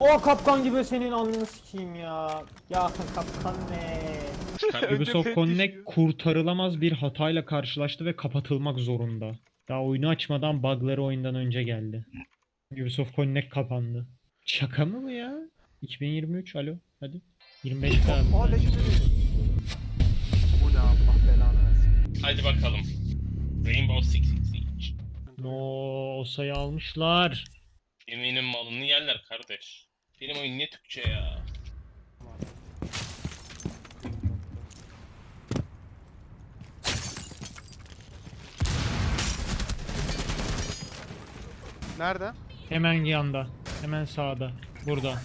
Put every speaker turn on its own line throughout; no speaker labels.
O kapkan gibi senin alnını sikeyim ya. Ya kapkan ne?
Ubisoft Connect kurtarılamaz bir hatayla karşılaştı ve kapatılmak zorunda. Daha oyunu açmadan bug'ları oyundan önce geldi. Ubisoft Connect kapandı. Şaka mı bu ya? 2023 alo hadi. 25
Aa
abi.
legendary. Bu ne Allah belanı versin.
Hadi bakalım. Rainbow Six Siege.
No, o sayı almışlar.
Eminim malını yerler kardeş. Benim oyun ne Türkçe ya.
Nerede?
Hemen yanda. Hemen sağda. Burada.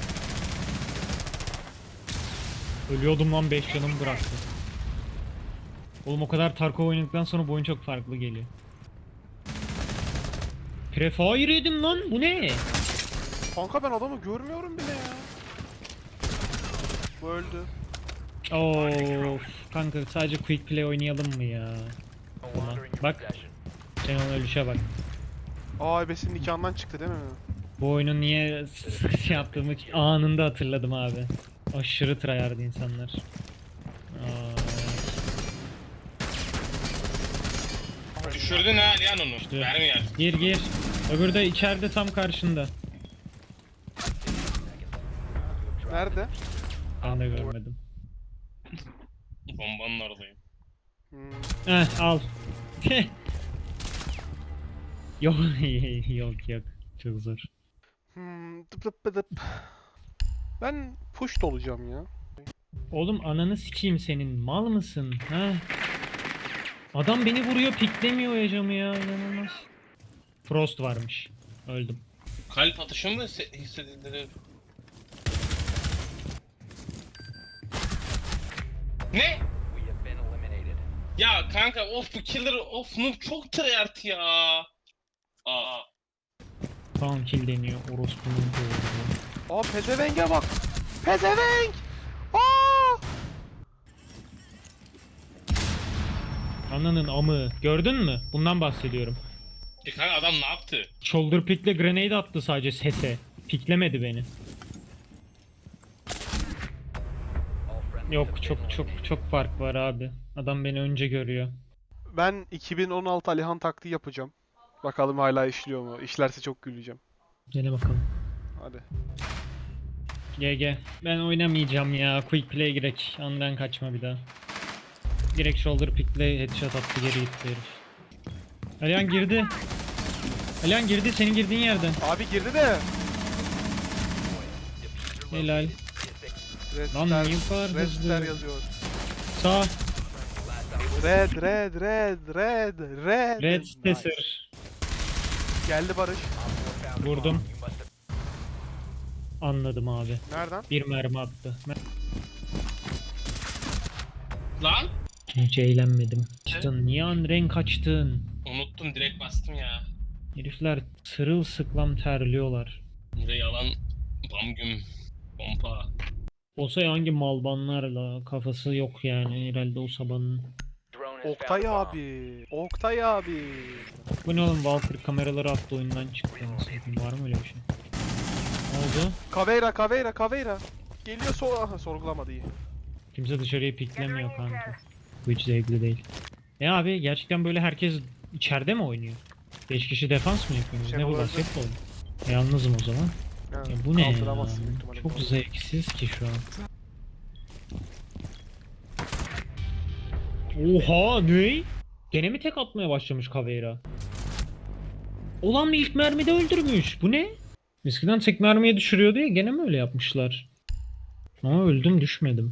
Ölüyordum lan 5 canımı bıraktı. Oğlum o kadar Tarkov oynadıktan sonra bu oyun çok farklı geliyor. Prefire yedim lan bu ne?
Kanka ben adamı görmüyorum bile ya. Bu öldü.
Of kanka sadece quick play oynayalım mı ya? Buna. Bak. Sen onun ölüşe bak.
Aa ebesinin nikahından çıktı değil mi?
Bu oyunu niye şey yaptığımı anında hatırladım abi. Aşırı tryhard insanlar.
Düşürdün ha Alihan onu.
İşte.
Mermi yer.
Gir gir. Öbürü de içeride tam karşında.
Nerede?
Ben de görmedim.
Bombanın oradayım.
Al. Yok yok yok. Çok zor.
Dıp dıp dıp dıp. Ben push olacağım ya.
Oğlum ananı sikeyim senin. Mal mısın? Ha? Adam beni vuruyor piklemiyor ya camı ya. İnanılmaz. Frost varmış. Öldüm.
Kalp atışı mı hissedildi? Ne? Ya kanka of bu killer of noob çok tryhard ya. Aa.
Tamam kill deniyor. Orospu'nun doğru.
Aa pezevenge bak. Pezevenk! Aa!
Ananın amı. Gördün mü? Bundan bahsediyorum.
Kanka adam ne yaptı?
Shoulder pick'le grenade attı sadece sese. Piklemedi beni. Yok çok fark var abi. Adam beni önce görüyor.
Ben 2016 Alihan taktiği yapacağım. Bakalım hala işliyor mu? İşlerse çok güleceğim.
Gel bakalım.
Hadi.
GG. Ben oynamayacağım ya. Quick play girek. Andan kaçma bir daha. Direkt shoulder pick'le headshot attı geri gitti herif. Alihan girdi. Alihan girdi senin girdiğin yerden.
Abi girdi de.
Helal. Lan
Redster,
niye bu kadar hızlı?
Redster yazıyor.
Sağ.
Red.
Red
Nice.
Stesser.
Geldi Barış.
Vurdum. Anladım abi.
Nereden?
Bir mermi attı.
Lan?
Hiç eğlenmedim. Kaçtın. Niye renk kaçtın?
Unuttum direkt bastım ya.
Herifler sırılsıklam terliyorlar.
Burayı alan bamgüm pompa.
Olsa hangi malbanlarla kafası yok yani herhalde o sabanın.
Oktay abi. Oktay abi.
Bu ne oğlum Valkyrie kameraları attı oyundan çıktı. Var mı öyle bir şey? Ne oldu?
Caveira. Geliyor aha sorgulamadı iyi.
Kimse dışarıya piklemiyor kanka. Bu hiç zevkli değil. Abi gerçekten böyle herkes içeride mi oynuyor? 5 kişi defans mı yapıyoruz?
Şey
Ne bu
olabilir.
basketbol? Yalnızım o zaman.
Yani
Ya bu ne ya?
kaldıramazsın büyük ihtimalle.
Çok zevksiz ki şu an. Oha ne? Gene mi tek atmaya başlamış Caveira? Olan mı ilk mermide öldürmüş? Bu ne? Eskiden tek mermiye düşürüyordu ya gene mi öyle yapmışlar? Ama öldüm düşmedim.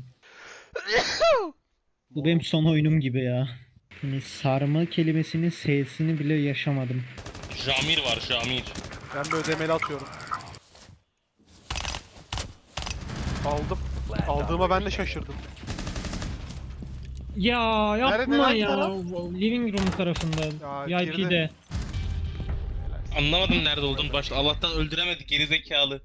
Bu benim son oyunum gibi ya. Hani sarma kelimesinin S'sini bile yaşamadım.
Jamir var Jamir.
Ben de ödemeli atıyorum. Aldım. Aldığıma ben de şaşırdım.
Ya yapma
Nerede, hangi
ya.
taraf?
Living room tarafında.
Ya,
VIP'de.
Anlamadım nerede olduğunu başta. Allah'tan öldüremedi gerizekalı.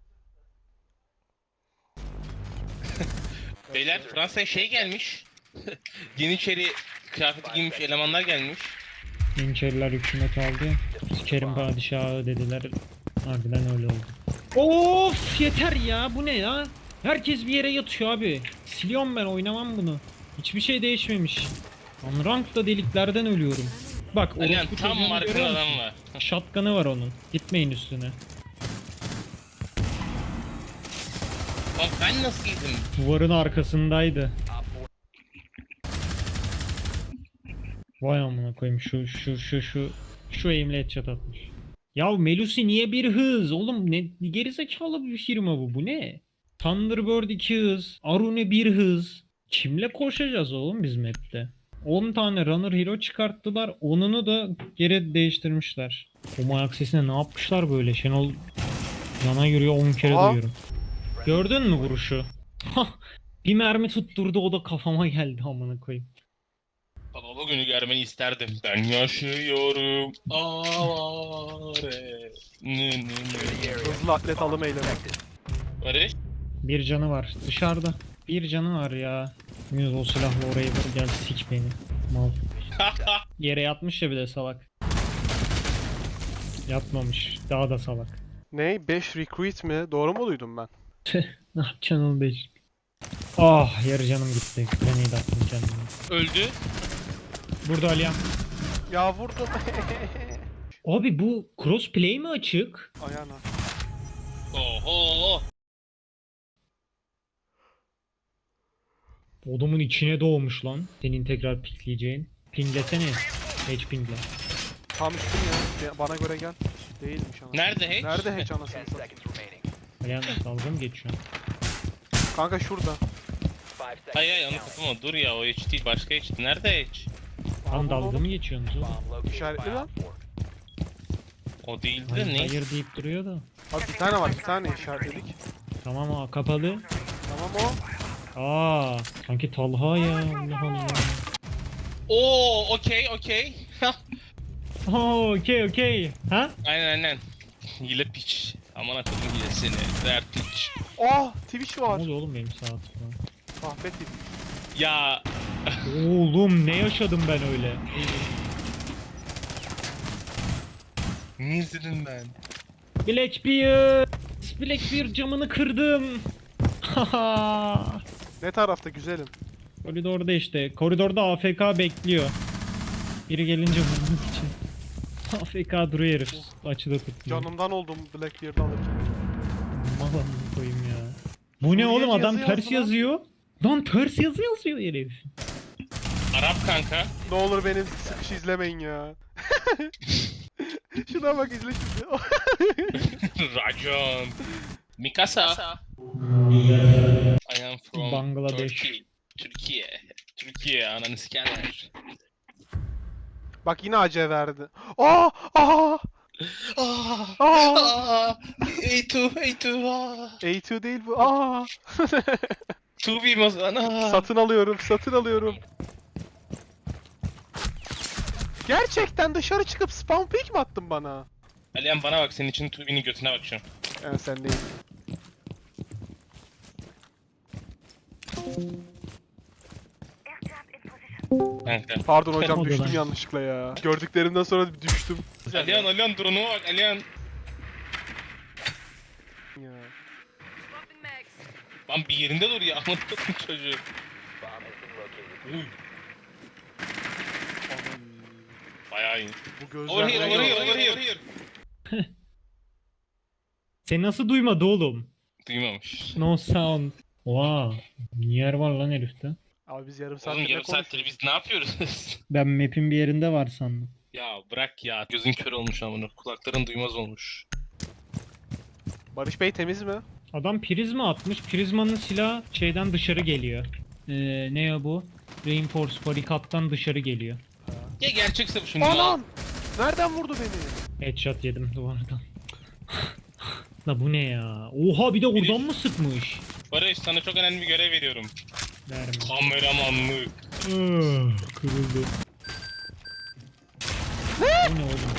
Beyler Fransa'ya şey gelmiş. Yeniçeri kıyafeti giymiş elemanlar gelmiş.
Yeniçeriler hükümet aldı. Sikerim padişahı dediler. Harbiden öyle oldu. Of yeter ya, bu ne ya? Herkes bir yere yatıyor abi. Siliyorum, ben oynamam bunu. Hiçbir şey değişmemiş. Unranked'da deliklerden ölüyorum. Bak
Alihan
orospu
tam
çocuğunu
markın
görüyor
adam
musun?
var.
Shotgun'ı var onun. Gitmeyin üstüne.
Lan ben nasıl yedim?
Duvarın arkasındaydı. Vay amına koyayım, şu aim'le headshot atmış. Ya Melusi niye bir hız? Oğlum ne gerizekalı bir firma bu. Bu ne? Thunderbird 2 hız, Arune 1 hız. Kimle koşacağız oğlum biz map'te? 10 tane runner hero çıkarttılar. Onunu da geri değiştirmişler. O ayak sesine ne yapmışlar böyle? Şenol yana yürüyor, 10 kere
Aa.
duyuyorum. Gördün mü vuruşu? Bir mermi tutturdu, o da kafama geldi amına koyayım.
Baba bugünü görmeni isterdim. Ben yaşıyorum. Avare.
Hızlı atlet alım eylemi.
Barış.
Bir canı var dışarıda. Bir canı var ya. Yunus o silahla oraya vur, gel sik beni. Mal. Yere yatmış ya bir de salak. Yatmamış. Daha da salak.
Ne? 5 recruit mi? Doğru mu duydum ben?
Ne yapacaksın oğlum 5? Ah, yarı canım gitti. Grenade attım kendime.
Öldü.
Burada Aliyan.
Ya vurdum.
Abi bu crossplay mi açık?
Ayağına.
Oho.
Odumun içine doğmuş lan. Senin tekrar pikleyeceğin. Pinglesene. H pingle.
Tam üstüm ya. Bana göre gel. Değilmiş anasını.
Nerede hiç?
Nerede hiç anasını satayım?
Aliyan dalga mı geçiyorsun?
Kanka şurada.
Hayır hayır onu kapama, dur ya, o hiç değil, başka hiç. Nerede hiç?
Tam
Aa,
dalga
oğlum.
mı geçiyorsunuz oğlum?
İşaretli lan.
O değildi
Hayır,
de ne?
hayır deyip duruyor da.
Abi bir tane var. Bir tane işaretledik.
Tamam, o kapalı.
Tamam o.
Aa, sanki Talha ya. Allah Allah.
Oo, okey.
Oo, okey. Ha?
Aynen. Hile piç. Aman akıllım hilesini. Dert piç.
Oh! Twitch
Ne
var.
oluyor oğlum benim saat falan?
Kahve Twitch.
Ya
Oğlum ne yaşadım ben öyle?
ne izledim ben?
Blackbeard camını kırdım. Haha.
Ne tarafta güzelim?
Koridorda işte. Koridorda AFK bekliyor. Biri gelince vurmak için. AFK duruyor herif. Açıda tutmuyor.
Canımdan oldum Blackbeard'ı alırken.
Malan koyayım ya. Bu ne
Suriyeci
oğlum, adam
yazı
ters
yazdı lan.
yazıyor. Lan ters yazı yazıyor herif.
Arap kanka.
Ne olur beni sıkış izlemeyin ya. Şuna bak izle şimdi.
Racon. Mikasa. I am from
Bangladeş.
Turkey. Türkiye ananı sikerler.
Bak yine AC verdi. Aa! Aa! Aa!
A2.
A2 değil bu. Aa!
2B o zaman.
Satın alıyorum. Gerçekten dışarı çıkıp spawn pick mi attın bana?
Alihan bana bak, senin için 2B'nin götüne bakacağım.
Yani sen değil.
Kanka.
Pardon hocam
Oldu
düştüm
lan.
yanlışlıkla ya. Gördüklerimden sonra düştüm.
Alihan drone'uma bak Alihan.
Ya.
Lan bir yerinde dur ya, aman tutun çocuğu. Uy, bayağı iyi.
Bu gözler...
Over here.
Sen nasıl duymadı oğlum?
Duymamış.
No sound. Oha. Yer var lan herifte.
Abi biz yarım saattir
Oğlum
ne
yarım saattir
konuşuyoruz?
biz ne yapıyoruz?
Ben map'in bir yerinde var sandım.
Ya bırak ya, gözün kör olmuş amına, kulakların duymaz olmuş.
Barış Bey temiz mi?
Adam prizma atmış. Prizmanın silahı şeyden dışarı geliyor. Ne ya bu? Reinforce barikattan dışarı geliyor.
Ya gerçekse bu şimdi.
Anam! Nereden vurdu beni?
Headshot yedim duvardan. La bu ne ya? Oha, bir de oradan mı sıkmış?
Barış, sana çok önemli bir görev veriyorum.
Verme.
Kameramanlık.
Kırıldı. Bu ne oğlum?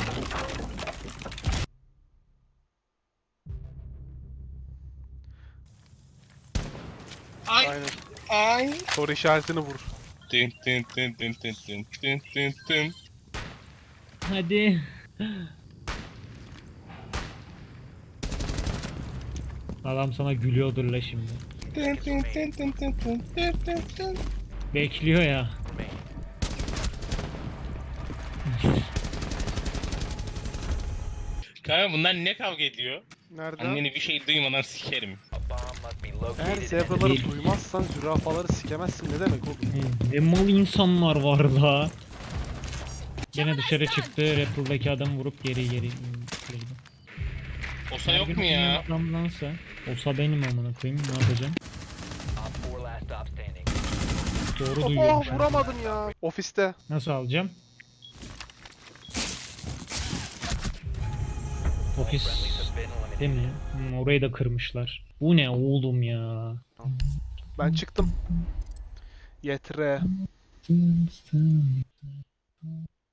Aynen.
Ay.
Soru işaretini vur.
Tın.
Hadi. Adam sana gülüyordur la şimdi. Bekliyor ya.
Kanka bunlar ne kavga ediyor?
Nerede?
Anneni bir şey duymadan sikerim.
Eğer zebraları duymazsan zürafaları sikemezsin ne demek oğlum?
Ne mal insanlar var la. Gene dışarı çıktı. Rappel'daki adam vurup geri girdi.
Osa
Her
yok
gün
mu ya?
oynayan adamdansa. Olsa benim amına koyayım. Ne yapacağım? Doğru duyuyorum. şu an.
Vuramadım ya. Ofiste.
Nasıl alacağım? Ofis değil mi? Orayı da kırmışlar. Bu ne oğlum ya?
Ben çıktım. Yetre.